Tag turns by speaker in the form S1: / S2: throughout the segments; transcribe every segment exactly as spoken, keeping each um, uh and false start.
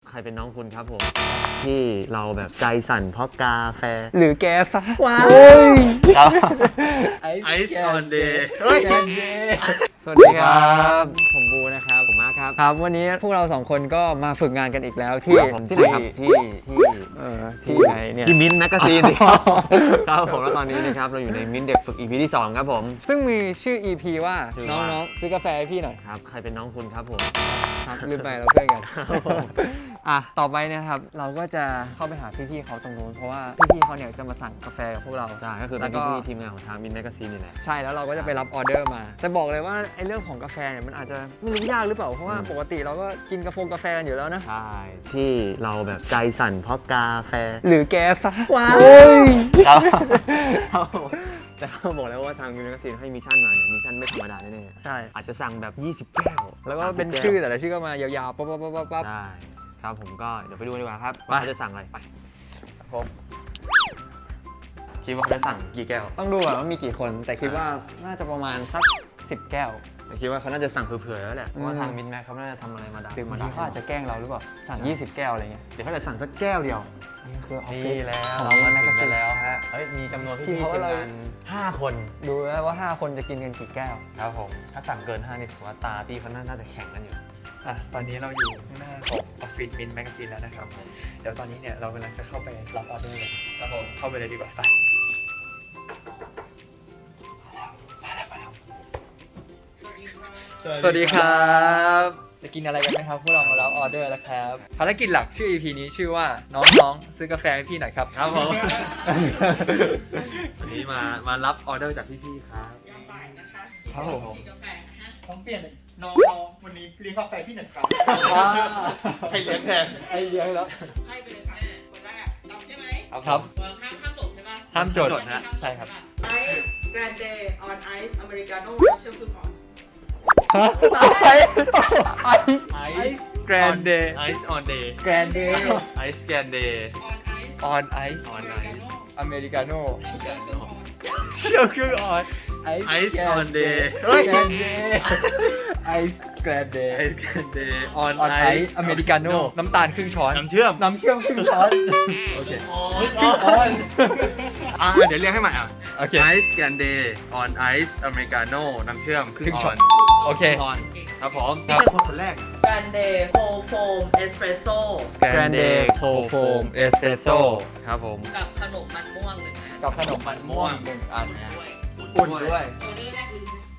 S1: ใครเป็นน้องคุณครับผมที่เราแบบใจสั่นเพราะกาแฟ
S2: หรือแกฟ้าว้าว
S1: ไอซ์ออนเดย์เฮ้ย
S2: สวัสดีครับผมบูนะครับผมมาร์คครับครับวันนี้พวกเราสองคนก็มาฝึกงานกันอีกแล้วที่
S1: ที่ไหนครับที่ที่
S2: เออที่ไหนเนี่ย
S1: ที่มิ้นท์แมกกาซีนครับผมแล้วตอนนี้นะครับเราอยู่ในมิ้นท์เด็กฝึก อี พี ที่สองครับผม
S2: ซึ่งมีชื่อ อี พี ว่า
S1: ชื่อ
S2: น้
S1: ว่า
S2: องๆซื้อกาแฟให้พี่หน่อย
S1: ครับใครเป็นน้องคุณครับผม
S2: ครับลืมไปเราเพื่อนกันอ่ะต่อไปเนะครับเราก็จะเข้าไปหาพี่ๆเขาตรงนู้นเพราะว่าพี่ๆเขาเนี่ยจะมาสั่งกาแฟกับพวกเรา
S1: ใช่ก็คือเป็นพี่ๆทีมงานของทางมิ้นท์แมกกาซีนนี่แหละ
S2: ใช่แล้วเราก็จะไปรับออเดอร์มาแต่บอกเลยว่าไอ้เรื่องของกาแฟเนี่ยมันอาจจะไม่รู้ยากหรือเปล่าเพราะว่าปกติเราก็กินกาแฟกาแฟกันอยู่แล้วนะ
S1: ใช่ที่เราแบบใจสั่นเพราะกาแฟ
S2: หรือแกฟ้าว้าว
S1: ครับแต่เขาบอกแล้วว่าทางมินท์แมกกาซีนให้มิชชั่นมาเนี่ยมิชชั่นไม่ธรรมดาแน่ๆ
S2: ใช่
S1: อาจจะสั่งแบบยี่สิบแก้ว
S2: แล้วก็เป็น
S1: สามสิบ
S2: ชื่อ
S1: แก้ว
S2: แต่ละชื่อก็มายาวๆปั๊บปั๊บปั๊บปั๊บปั๊บ
S1: ใช่ครับผมก็เดี๋ยวไปดูดีกว่าครับ
S2: ไป
S1: ว่าเขาจะสั่งอะไรไปผมคิดว่าเขาจะสั่งกี่แก้ว
S2: ต้องดูก่อนว่ามีกี่คนแต่คิดว่าน่าจะประมาณสักสิบแก้ว
S1: แต่คิดว่าเขาน่าจะสั่งเผื่อๆแล้วแหละเพราะว่า
S2: อืม
S1: ทางมินท์แม็กเขาน่าจะทำอะไรมาดัก
S2: หรือบาง
S1: ดั
S2: ทีเขาอาจจะแกล้งเราหรือเปล่าสั่งยี่สิบแก้วอะไรเงี้ย
S1: เดี๋ยวเขาจะสั่งสักแก้วเดียว
S2: นี่คือออฟฟิศ
S1: นี่แล้ว
S2: ของ
S1: เรา
S2: มิ
S1: มาน
S2: ท์แมก
S1: ถึ
S2: กาง ซี
S1: กัน นแล้วฮะเฮ้ยมีจำนวน
S2: ที่
S1: พี่ๆ
S2: เขา
S1: ทีม
S2: เลย
S1: งานห้าคน
S2: ดูแล้วว่าห้าคนจะกินกันกี่แก้ว
S1: ครับผมถ้าสั่งเกินห้านี่ถือว่าตาพี่เขาน่าจะแข็งกันอยู่
S3: อ่ะตอนนี้เราอยู่ข้างหน้าของออฟฟิศมินแมกกาซีนแล้วนะครับเดี๋ยวตอนนี้เนี่ยเรากำลังจะเข้าไปรับออเดอร์เลยครับผมเข้าไปเลยดีกว่าไปสวัสดีครับจะกินอะไรกันไหมครับพวกเรามารับออเดอร์แล้วครับภารกิจหลักชื่อ อี พี นี้ชื่อว่าน้องๆซื้อกาแฟให้พี่หน่อยครับ
S1: ครับผม วันนี้มามารับออเดอร์จากพี่ๆครับ
S3: ครับผม
S4: กาแฟนะฮะ
S3: ต้องเปลี่ยนน้องๆวันนี้เลี้ยงกาแฟพี่หน่อยครับ
S1: ให้เลี้ยงแทน
S3: ไอเลี้ยงแล้ว
S4: ไล่ไปเลยค่ะคนแรกดำใช่ไหม
S3: ครับ
S4: เออห้ามห้ามจดใช่ปะ
S3: ห้ามจด
S1: จดนะ
S3: ใช่ครับ
S4: ไอซ์แกรนเดย์ออนไอซ์อเมริกาโน่น้ำเชื่อมพึ่งอ่อน
S3: ไอไอ
S1: ไอซ์
S3: แกรนเดย์
S1: ไอซ์ออนเดย์
S3: แกรนเดย์
S1: ไอซ์แกนเดย์
S4: ออนไอซ์
S3: ออนไอ
S1: ออนไอซ์
S3: อเมริกาโน่
S4: น้ำเชื่อมพึ่งอ่อน
S3: เชื่อมครึ่งออน
S1: ไอซ์ออนเดย์
S3: เฮ้ยแกรนเดย์ไอซ์แกรนเดย์
S1: ไอซ์แกนเดย์ออน
S3: ออน
S1: ไอ
S3: ไอ
S1: ซ์
S3: ซ์อเมริกาโน่น้ำตาลครึ่งช้อน
S1: น้ำเชื่อม
S3: น้ำเชื่อมครึ่งช้อน โอเค
S1: ครึ่งออนอ่ะเดี๋ยวเรียกให้ใหม่อ่ะ
S3: โอเค
S1: ไอซ์แกนเดย์ออนไอซ์อเมริกาโน่น้ำเชื่อมครึ่งออน
S3: โอเค
S1: ออนครับผมนี่คือคนคนแรก
S4: แกรนเดย์โฮโฟมเอสเปรสโซ่
S3: Grande Cold Foam Espresso
S1: ครับผม
S4: กับขนมมันม่วงหนึ่งอัน
S3: กับขนมมันม่วงหนึ่งอัน
S4: ด้วย
S3: อุ่นด้วย
S4: ออเดอร์แรกคือ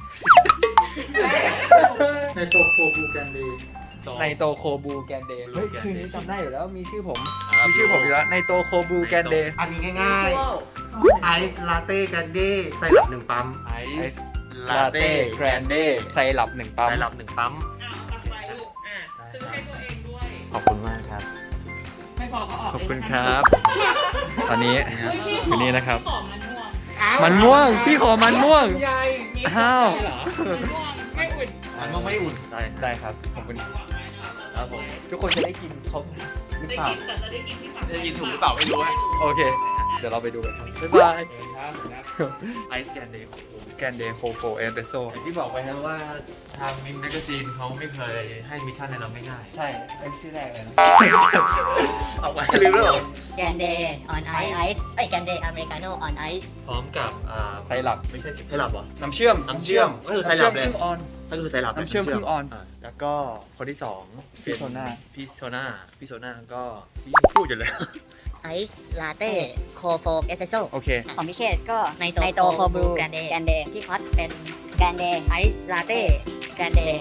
S3: ในโตโคบูแกนเดย์ในโตโคบูแกนเดย์เฮ้ยคืนนี้จำได้อยู่แล้วมีชื่อผม มีชื่อผมอยู่แล้วในโตโคบูแกนเดย์
S5: อันนี้ง่ายๆ ไอซ์ลาเต้กันเด้ใส่หลับหนึ่งปั๊ม
S1: ไอซ์
S3: ลาเต้แกรนเดย์ไซรัปหนึ่งปั๊ม
S1: ใส่หลับหนึ่งปั๊ม
S4: อ่าเอาไปลูกอ่ะซื้อให้ตัวเองด้วย
S1: ขอบคุณมากครับ
S4: ไม่พอก็ออก
S3: ขอบคุณครับ ตอนนี้คืนนี้นะครับ
S4: ขอมันม่วง
S3: มันม่วง พี่ขอมันม่วง
S5: ใหญ่
S3: อ้าว
S4: มันม่วงไม่อุ่น
S1: มันก็ไม่อุ่นใช่
S3: ได้ครับ ขอบคุณ
S1: ครับผม
S3: ทุกคนจะได้กินครบหรือ
S4: ได้
S3: เปล่า
S4: กินแต่จะได้กินที่สั่ง
S1: จะกินถูกหรือเปล่าไม่รู้ฮะ
S3: โอเค เดี๋ยวเราไปดูกันครับ บ๊ายบาย
S1: ไอซ์แกนเดย์ของผม
S3: แกนเดย์โคโฟเอสเปรสโซ
S1: อย่างที่บอกไปนะว่าทางมินแมกกาซีนเขาไม่เคยให้มิชชั่นในเราง่าย
S3: ใช่เป็นชื่อแรกเลยนะ
S1: ๆเอาไว้ลืมแล้วเหรอ
S6: แกนเดย์ออนไอซ์เอ้ยแกนเดย์อเมริกาโน่ออนไอซ์
S1: พร้อมกับอ่า
S3: ไซรัป
S1: ไม่ใช่ไซรัปเหรอ
S3: น้ำเชื่อม
S1: น้ำเชื่อมก็คือไซรัปเลย
S3: น้ำเชื่อมครึ่งออน
S1: ก็คือไซรัป
S3: น้ำเชื่อมครึ่งออน
S1: าแล้วก็คนที่สอง
S3: พี่โซน่า
S1: พี่โซน่าพี่โซน่าก็พี่พูดอยู่เลย
S6: ไอซ์ลาเต้โคโฟเอสเปรสโซ
S3: โอเค
S6: ของพิเชษก็ในโตในโตโคบรูแกรนเดย์แกรนเดย์พี่คอสเป็นแกรนเดย์ไอซ์ลาเต้แกรนเดย์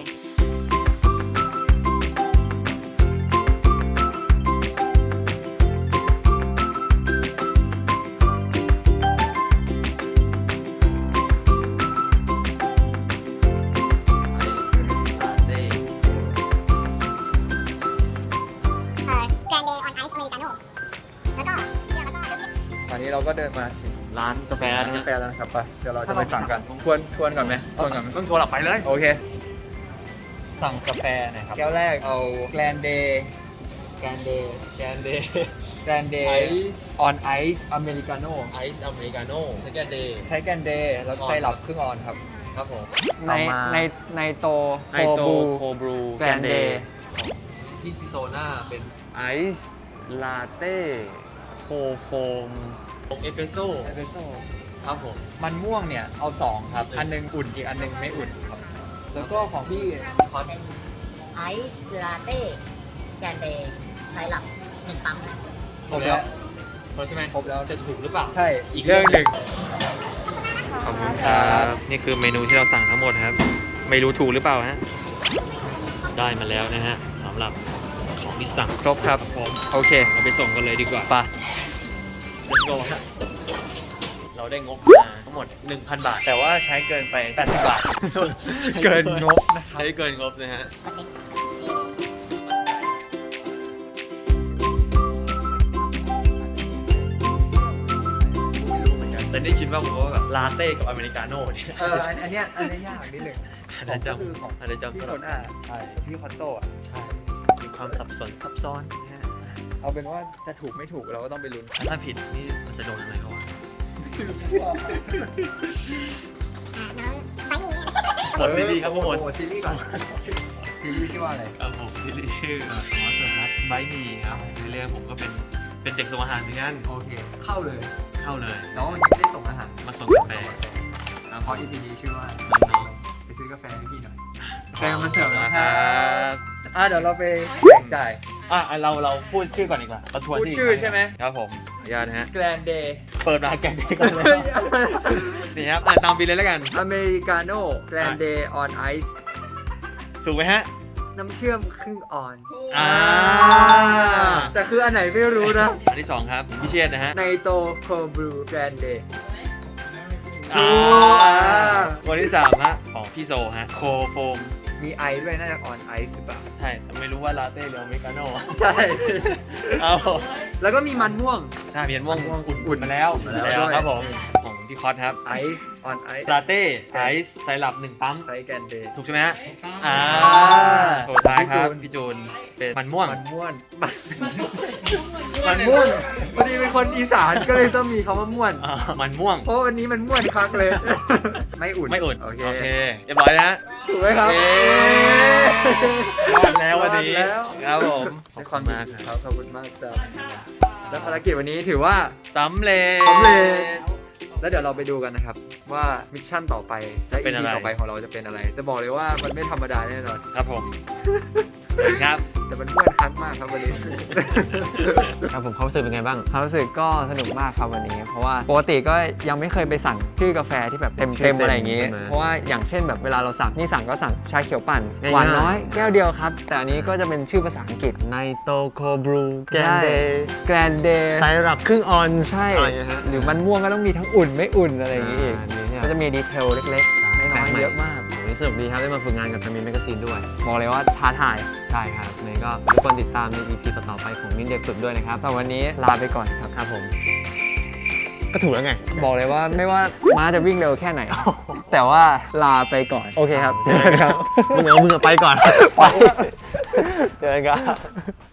S3: ตอนนี้เราก็เดินมาถึง
S1: ร้านกาแฟ
S3: ร้าน
S1: นะ
S3: กาแฟแล้วนะครับไปเดี๋ยวเราจะไปสั่งกันทวนทวนก่อนไหมทวนก่อนไหม
S1: ต้องโทรหลับไปเลย
S3: โอเค สั่งกาแฟหน่อยครับ แก้วแรกเอาแกรนเดย์แกรนเดย์แกรนเดย์แกรนเดย์ออนไอซ์อเมริกาโน่
S1: ไอซ์อเมริกาโน่สแกนเดย์
S3: ใช้แกรนเดย์แล้วไซรัปครึ่งออนครับ
S1: ครับผม
S2: ในในในโต
S1: ไอโตโคบรู
S2: แกรนเดย์
S1: ของพี่พิโซน่าเป็นไอซ์ลาเต้โคโฟม
S3: เอสเปรสโซ่
S2: เอสเปรสโซ่
S3: ครับผม มันม่วงเนี่ย เอาสองครับ อันหนึงอุ่นอีกอันหนึงไม่อุ่นครับ
S2: แล้วก็ของพี่
S3: คอส
S6: เป็นไอซ์ลาเต้แกรนเดย์ไซรัปหนึ่งปั๊ม
S3: ครบแล้วครบใช่ไหมครบแล้วจะถูกหรือเปล่า
S2: ใช่
S3: อีกเรื่องหนึ่ง
S1: ขอบคุณครับนี่คือเมนูที่เราสั่งทั้งหมดครับไม่รู้ถูกหรือเปล่าฮะได้มาแล้วนะฮะสำหรับของที่สั่ง
S2: ครบครับ
S1: ผม
S2: โอเค
S1: เราไปส่งกันเลยดีกว่า
S2: ไป
S1: let's go ฮะเราได้งบมาทั้งหมด หนึ่งพัน บาท
S2: แต่ว่าใช้เกินไปแปดสิบบาท เกินงบนะครับ
S1: ใช้เกินงบนะฮะ แต่ได้คิดว่าผมว่าแบบลาเต้กับอเมริกาโน่เนี่ย
S2: เอออันอันเนี้ยอันเนี้ยยากนิดหนึ่ง
S1: อาจจะจำอาจจะจำ
S2: พี่
S1: ส
S2: ค
S1: ลับ
S2: นอ่ะใช่พี่คอนโต้อะ
S1: ใช่ มีความสับสนซับซ้อนนะฮะ
S2: เอาเป็นว่าจะถูกไม่ถูกเราก็ต้องไปลุ้น
S1: ถ้าผิดนี่มันจะโดนอะไรเขาวะหมดซีรีส์ครับผมหมด
S2: โอ้ซีรีส์ก่อนซีรีส์ชื่อว่าอะไร
S1: ครับผมซีรีส์ชื่อหมอสมัตไบมีครับในเรื่องผมก็เป็นเป็นเด็กส่งอาหารเหมือนกัน
S2: โอเค เข้าเลย
S1: เข้าเลย
S2: แต่ว่าวันนี้ไม่ได้ส่งอาหาร
S1: มาส่งกาแฟ
S2: เพราะ อี พี นี้ชื่อว่า
S1: น้อง
S2: ไปซื้อกาแฟให้พี่หน่อยแฟนมาเสิร์ฟ
S1: ๆ
S2: แล้ว
S1: นะ
S2: ค
S1: ค
S2: รั
S1: รั
S2: บบ อ่ะเดี๋ยวเราไปแบ่งจ่าย
S1: อ่ะเราเราพูดชื่อก่อนดีกว่าประทวน
S2: พูด
S1: ที่
S2: ชื่อใช่ไหม
S1: ครับผมขออนุญาตนะฮะ
S2: แกรนเดย์
S1: เปิดมาแกงก่อนเลยนี่ครับอ่ะตามบินเลยแล้วกัน
S2: อเมริกาโน่แกรนเดย์ออนไอซ์
S1: ถูกไหมฮะ
S2: น้ำเชื่อมครึ่งออน
S1: อ่า
S2: แต่คืออันไหนไม่รู้นะ
S1: อันที่สองครับพิเชษนะฮะ
S2: ไนโตโคบรูแกรนเดย์
S1: อ่า
S2: อ่า
S1: คนที่สามฮะของพี่โซฮะโคโฟม
S2: มีไอด้วยน่าจะออนไอซ์หรือเปล่า
S1: ใช่แต่ไม่รู้ว่าลาเต้หรืออเมริกาโน่
S2: ใช่
S1: เอา
S2: แล้วก็มีมันม่วง
S1: ถ้าเมียนม่วง
S2: ม่วง
S1: อุ่นๆมาแล้ว
S2: อุ่นมาแล้ว
S1: แล้ว
S2: ด้วย
S1: ครับผมของพี่คอสครับ
S2: ไอซ์ออนไอซ์
S1: ลาเต้ไอซ์ไซรัปหนึ่งปั๊ม
S2: ไซส์แกรนเดย์
S1: ถูกใช่ไหมฮะอ่าสุดท้ายครับพี่จูนเป็นมันม่วง
S2: มันม่วนมันมันม่วนพอดีเป็นคนอีสานก็เลยต้องมีคำว่าม่วน
S1: อ่ามันม่วง
S2: เพราะวันนี้มันม่วนคักเลย ไม่อุ่น
S1: ไม่อุ่น
S2: โอเค
S1: โอเคเรียบร้อยนะฮะ
S2: ถูกไหมครับ
S1: เย้รอดแล้ววันนี้
S2: รอดแล้ว
S1: ครับผมขอบ
S2: ในค
S1: คุ
S2: วาม
S1: ณ
S2: ดี
S1: มากค
S2: ค
S1: รั
S2: รับบ ขอบคุณมากจ้าแล้วภารกิจวันนี้ถือว่า
S1: สำเร็จ
S2: สำเร็จ แล้วเดี๋ยวเราไปดูกันนะครับ ว่ามิชชั่นต่อไปและ
S1: เป็
S2: อี
S1: นอะไร
S2: พีต่อไปของเราจะเป็นอะไร จะบอกเลยว่ามันไม่ธรรมดาแน่นอน
S1: ครับผมครับ
S2: แต่มันม่วนคักมากครับวันนี้
S1: ครับผมเขารู้สึกเป็นไงบ้าง
S2: ความรู้สึกก็สนุกมากครับวันนี้ เพราะว่าปกติก็ยังไม่เคยไปสั่งชื่อกาแฟที่แบบเต็ม
S1: ชื่
S2: เต็
S1: อ
S2: ม
S1: เต็ม
S2: อะไรอย่างงี้
S1: ใช่ไหม
S2: เพราะว่าอย่างเช่นแบบเวลาเราสั่งนี่สั่งก็สั่งชาเขียวปั่น
S1: ง่ายๆ
S2: หวานน้อยแก้วเดียวครับ แต่อันนี้ก็จะเป็นชื่อภาษาอังกฤษ
S1: ไนโตโคบรูแกนเดย์
S2: แกรนเดย์
S1: ไซรัปครึ่งออนซ์
S2: ใช่
S1: อะไรอย่างเงี้ยฮะ
S2: หรือมันม่วงก็ต้องมีทั้งอุ่นไม่อุ่นอะไรอย่างงี้อีก
S1: อ่านี่เนี่ย
S2: ก็จะมีดีเทลเล็กๆน้อยๆเยอะมาก
S1: วันนี้สนุกดีครับได้มาฝึกงานกับทามินแมกซีนด้วย
S2: บอกเลยว่าท้าทาย
S1: ใช่ครับนี่ก็ทุกคนติดตามใน อี พี ต่อๆไปของมินเด็กฝึกด้วยนะครับ
S2: แต่วันนี้ลาไปก่อนครับ
S1: ครับผม ก็ถูกแล้วไง
S2: บอกเลยว่าไม่ว่าม้าจะวิ่งเร็วแค่ไหน แต่ว่าลาไปก่อน โอเคครับเจอกันครับ
S1: มึงเอามึงอะไปก่อน
S2: ไป
S1: เจอกันครับ